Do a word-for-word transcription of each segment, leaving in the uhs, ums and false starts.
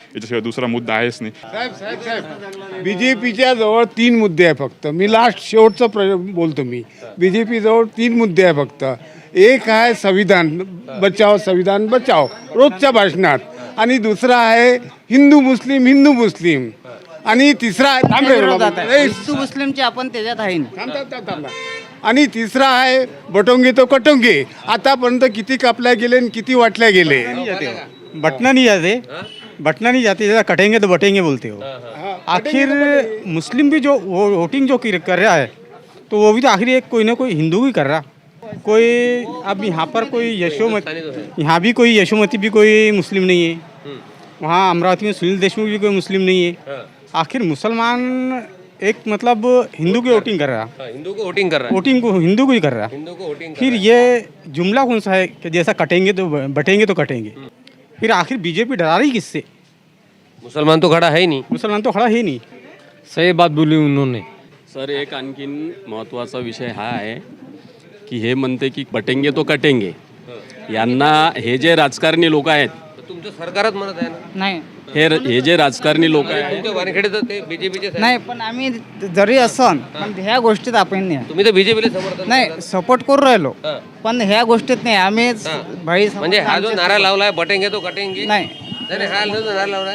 याच्याशिवाय दुसरा मुद्दा आहेच नाही. साहेब साहेब साहेब बी जे पीच्या जवळ तीन मुद्दे आहे फक्त. मी लास्ट शेवटचं प्र बोलतो मी. बी जे पी जवळ तीन मुद्दे आहे फक्त. एक आहे संविधान बचाव, संविधान बचाव रोजच्या भाषणात, आणि दुसरा आहे हिंदू मुस्लिम, हिंदू मुस्लिम, आणि तिसरा आहे थांब रे बाबा. ए, हिंदू मुस्लिमचे आपण त्याच्यात आहे थांब, थांब, थांब, थांब. आणि तिसरा आहे बटोंगे तो कटोंगे. आतापर्यंत किती कापल्या गेले आणि किती वाटल्या गेले. बटना नहीं जाते, बटना नहीं जाते, जैसा कटेंगे तो बटेंगे बोलते हो. आखिर मुस्लिम भी जो वो वोटिंग जो कर कर रहा है तो वो भी तो आखिर एक कोई ना कोई हिंदू ही कर रहा. कोई अब यहाँ पर कोई यशोमती, यहाँ भी कोई यशोमती भी कोई मुस्लिम नहीं है, वहाँ अमरावती में सुनील देशमुख भी कोई मुस्लिम नहीं है. आखिर मुसलमान एक मतलब हिंदू की वोटिंग कर रहा, हिंदू को वोटिंग कर रहा है, वोटिंग को हिंदू को ही कर रहा. हिंदू को वोटिंग फिर ये जुमला कौन सा है कि जैसा कटेंगे तो बटेंगे तो कटेंगे. फिर आखिर बीजेपी डरा रही किससे? मुसलमान तो खड़ा है ही नहीं. मुसलमान तो खड़ा है नहीं. सही बात बोली उन्होंने. सर एक आणखीन महत्त्वाचा विषय हा आहे की हे म्हणते की बटेंगे तो कटेंगे. यांना हे जे राजकारणी लोक आहेत, तुमचं सरकारच म्हणत आहे ना. नाही हे हे जे राजकारणी लोक आहेत, तुमच्या वानखेडे तर ते बीजेपीचे नाही पण आम्ही जरी असन पण ह्या गोष्टीत आपण नाही तुम्ही तर बीजेपीला समर्थन नाही सपोर्ट करू राहिलो, पण ह्या गोष्टीत नाही आम्ही भाई म्हणजे हा जो नारा लावलाय बटेंगे तो कटेंगे, नाही नाही हा जो नारा लावलाय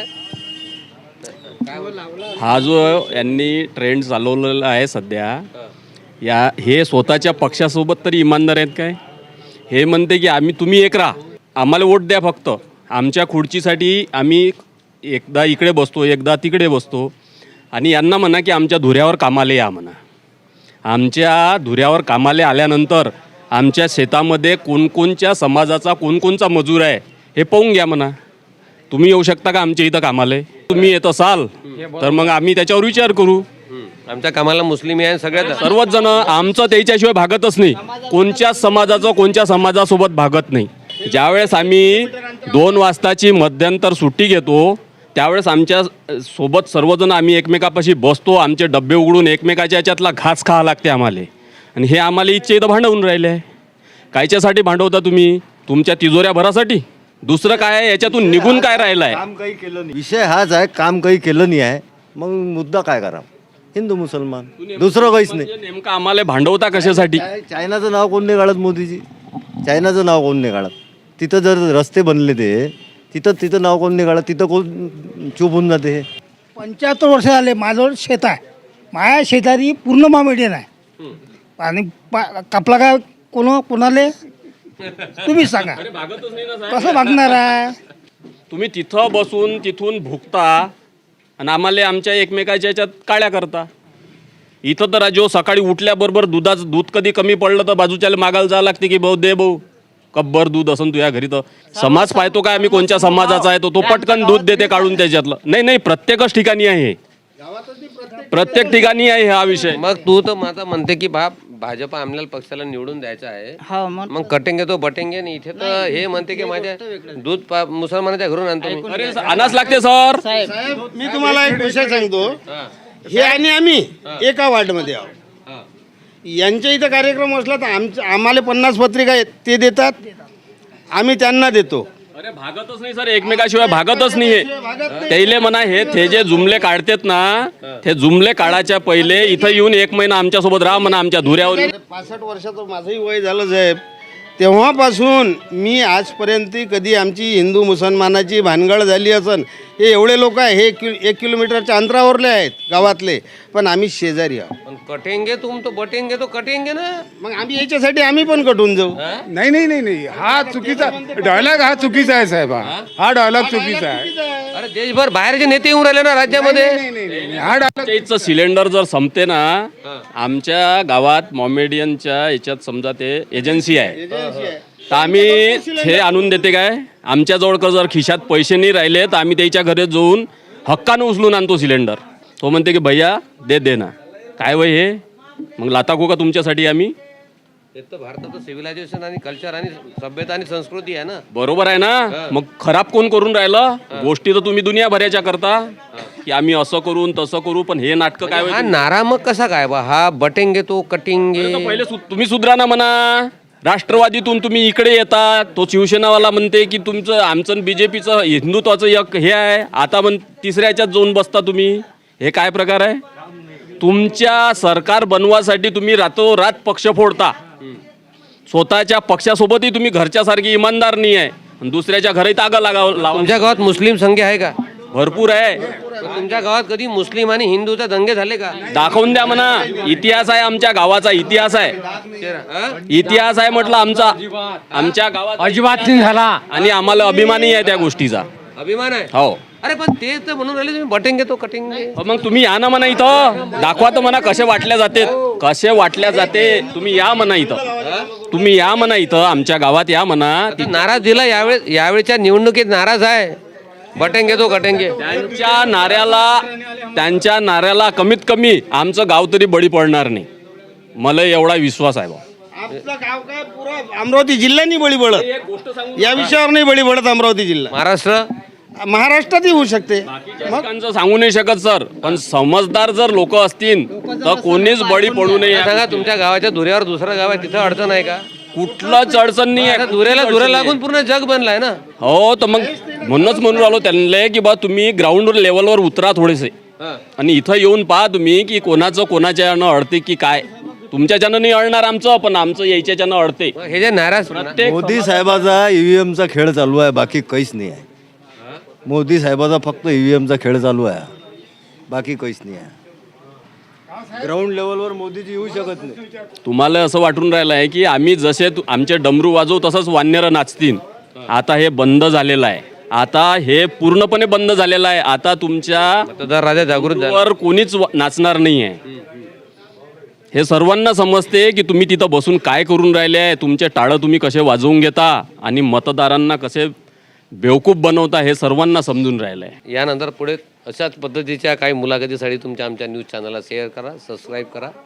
हा जो यांनी ट्रेंड चालवलेला आहे सध्या, या हे स्वतःच्या पक्षासोबत तरी इमानदार आहेत काय? हे म्हणते की आम्ही तुम्ही एक राहा, आम्हाला वोट द्या, फक्त आमच्या खुर्चीसाठी आम्ही एकदा इकडे बसतो एकदा तिकडे बसतो, आणि यांना म्हणा की आमच्या धुऱ्यावर कामाला या म्हणा. आमच्या धुऱ्यावर कामाला आल्यानंतर आमच्या शेतामध्ये कोणकोणच्या समाजाचा कोणकोणचा मजूर आहे हे पाहून घ्या म्हणा. तुम्ही येऊ शकता का आमच्या इथं कामाला? तुम्ही येत असाल तर मग आम्ही त्याच्यावर विचार करू. आमच्या कामाला मुस्लिम आहे सगळ्यात सर्वच जण आमचं त्याच्याशिवाय भागतच नाही, कोणत्याच समाजाचं कोणत्या समाजासोबत भागत नाही. ज्यावेळेस आम्ही दोन वाजताची मध्यंतर सुट्टी घेतो त्यावेळेस आमच्या सोबत सर्वजण आम्ही एकमेकापाशी बसतो, आमचे डब्बे उघडून एकमेकाच्या याच्यातला घास खावा लागते आम्हाला. आणि हे आम्हाला इच्छा इथं भांडवून राहिले आहे. कायच्यासाठी भांडवता तुम्ही? तुमच्या तिजोऱ्या भरासाठी? दुसरं काय आहे याच्यातून निघून काय राहिलं आहे? काम काही केलं नाही. विषय हाच आहे, काम काही केलं नाही आहे. मग मुद्दा काय करा? हिंदू मुसलमान, दुसरं काहीच नाही. नेमकं आम्हाला भांडवता कशासाठी? चायनाचं नाव कोण नाही काढत मोदीजी? चायनाचं नाव कोण नाही काढत? तिथं जर रस्ते बनले ते तिथं तिथं नाव कोण नाही काढत? तिथं कोण चूप होऊन जाते? हे पंच्याहत्तर वर्ष झाले माझं शेत आहे. माझ्या शेतारी पूर्ण मामेडियन आहे. आणि पा- कापला काय कोण कोणाले तुम्ही सांगा कसं मागणार आहे? तुम्ही तिथं बसून तिथून भुकता आणि आम्हाला आमच्या एकमेकाच्या याच्यात काळ्या करता. इथं तर जो सकाळी उठल्याबरोबर दुधाचं दूध कधी कमी पडलं तर बाजूच्याला मागायला जावं लागते की भाऊ दे भाऊ कब्बर दूध असून तुझ्या घरी. तर समाज पाहतो काय आम्ही कोणत्या समाजाचा आहे तो तो पटकन दूध देते काढून त्याच्यातलं. नाही नाही प्रत्येकच ठिकाणी आहे, प्रत्येक ठिकाणी आहे हा विषय. मग तू तर माझा म्हणते की बाप भाजप आमल्याला पक्षाला निवडून द्यायचा आहे, हा मग मग कटेंगे तो बटेंगे नाही. इथे तर हे म्हणते की माझ्या दूध पा- मुसलमानाच्या घरून आणतो मी. अरे आणाच लागते सर. मी तुम्हाला एक विषय सांगतो. हे आणि आम्ही एका वार्डमध्ये आहोत. यांच्या इथं कार्यक्रम असला तर आमच्या आम्हाला पन्नास पत्रिका आहेत ते देतात, आम्ही त्यांना देतो. अरे भागतच नाही सर, एकमेकाशिवाय भागतच नाही. त्याले म्हणा हे ते जे जुमले काढतात ना ते जुमले काढायच्या पहिले इथं येऊन एक महिना आमच्यासोबत राहा म्हणा आमच्या धुऱ्यावर. पासष्ट वर्षाचं माझंही वय झालं साहेब. तेव्हापासून मी आजपर्यंत कधी आमची हिंदू मुसलमानाची भानगड झाली असन. हे एवढे लोक आहे, हे कि एक किलोमीटरच्या अंतरावरले आहेत गावातले, पण आम्ही शेजारी आहोत. पण कटेंगे तुम तो बटेंगे तो कटेंगे ना. मग आम्ही याच्यासाठी आम्ही पण कटून जाऊ. नाही नाही नाही नाही हा चुकीचा डायलॉग, हा चुकीचा आहे साहेब. हा हा डायलॉग चुकीचा आहे. अरे देशभर बाहेरचे नेते येऊन राहिले ना राज्यामध्ये. हा डायलॉग त्याचं सिलेंडर जर संपते ना आमच्या गावात मॉमेडियनच्या याच्यात समजा ते एजन्सी आहे तर आम्ही हे आणून देते काय? आमच्याजवळ का जर खिशात पैसे नाही राहिले तर आम्ही त्याच्या घरी जाऊन हक्कानं उचलून आणतो सिलेंडर. तो म्हणते की भैया दे दे ना. काय वय हे मग लाताको का तुमच्यासाठी आम्ही? हे तर भारताचं सिव्हिलायझेशन आणि कल्चर आणि सभ्यता आणि संस्कृती आहे ना. बरोबर आहे ना. मग खराब कोण करून राहिलं? गोष्टी तर तुम्ही दुनियाभराच्या करता की आम्ही असं करून तसं करू, पण हे नाटकं काय? हा नारा मग कसा काय बा? हा बटेंगे तो कटिंगे. पहिले सु- तुम्ही सुधरा ना म्हणा. राष्ट्रवादीतून तुम्ही इकडे येता, तो शिवसेनावाला म्हणते की तुमचं आमचं बी जे पीचं हिंदुत्वाचं एक हे आहे, आता म्हण तिसऱ्या ह्याच्यात जाऊन बसता तुम्ही. हे काय प्रकार आहे? तुमच्या सरकार बनवासाठी तुम्ही रातोरात पक्ष फोडता. स्वतःच्या पक्षासोबतही तुम्ही घरच्यासारखी इमानदार नाही आहे, आणि दुसऱ्याच्या घरी तागा लागाव लावा. तुमच्या गावात मुस्लिम संख्या आहे का? भरपूर आहे. पण तुमच्या गावात कधी मुस्लिम आणि हिंदूचे दंगे झाले का? दाखवून द्या म्हणा. इतिहास आहे आमच्या गावाचा, इतिहास आहे, हा? इतिहास आहे म्हटलं आमचा, आमच्या गावात अजिबात नाही झाला. आणि आम्हाला अभिमानही आहे त्या गोष्टीचा. अभिमान आहे. हो. अरे पण ते तर म्हणून राहिले तुम्ही बटेंगे तो कटेंगे. अ मग तुम्ही या ना म्हणा इथं, दाखवा तर म्हणा कसे वाटल्या जाते, कसे वाटल्या जाते. तुम्ही या म्हणा इथं, तुम्ही या म्हणा इथं, आमच्या गावात या म्हणा. आता नाराज दिला यावेळी, यावेळच्या निवडणुकीत नाराज आहे. बटेंगे तो कटेंगे. त्यांच्या नाऱ्याला त्यांच्या नाऱ्याला कमीत कमी आमचं गाव तरी बळी पडणार नाही, मला एवढा विश्वास आहे. भाऊ आपलं गाव काय पुरा अमरावती जिल्हा नाही बळी पडत, या विषयावर नाही बळी पडत अमरावती जिल्हा. महाराष्ट्र महाराष्ट्रातही होऊ शकते. लोकांचं सांगू नाही शकत सर, पण समजदार जर लोक असतील तर कोणीच बळी पडू नये. सांगा, तुमच्या गावाच्या दुऱ्यावर दुसरं गाव आहे, तिथं अडचण आहे का? कुठलंच अडचण नाही आता आहे. दुऱ्याला दुऱ्या लागून पूर्ण जग बनलाय ना. हो, तर मग म्हणूनच म्हणून राहिलो त्यांना की बा तुम्ही ग्राउंड लेवलवर उतरा थोडेसे, आणि इथं येऊन पहा तुम्ही की कोणाचं कोणाच्या यानं अडते की काय. तुमच्याच्यानं नाही अडणार आमचं, पण आमचं याच्याच्यानं अडते. मग हे जे नाराज प्रत्येक मोदी साहेबाचा ईव्हीएमचा खेळ चालू आहे, बाकी काहीच नाही आहे. मोदी साहेबाचा फक्त ईव्हीएमचा खेळ चालू आहे, बाकी काहीच नाही आहे. ग्राउंड लेवलवर मोदीजी येऊ शकत नाही. तुम्हाला असं वाटून राहिलं आहे की आम्ही जसे तु- आमचे डमरू वाजवू तसंच वानरं नाचतील. आता हे बंद झालेलं आहे, आता हे पूर्णपणे बंद झालेलं आहे. आता तुमच्या मतदार राजा जागृत झाला. वर कोणीच वा- नाचणार नाही आहे. हे सर्वांना समजते की तुम्ही तिथं बसून काय करून राहिले आहे, तुमचे टाळं तुम्ही कसे वाजवून घेता आणि मतदारांना कसे बेवकूफ बनवता, हे सर्वांना समजून राहिलं आहे. यानंतर पुढे अशाच पद्धतीच्या काही मुलाखतीसाठी तुमच्या आमच्या न्यूज चॅनलला शेअर करा, सबस्क्राईब करा.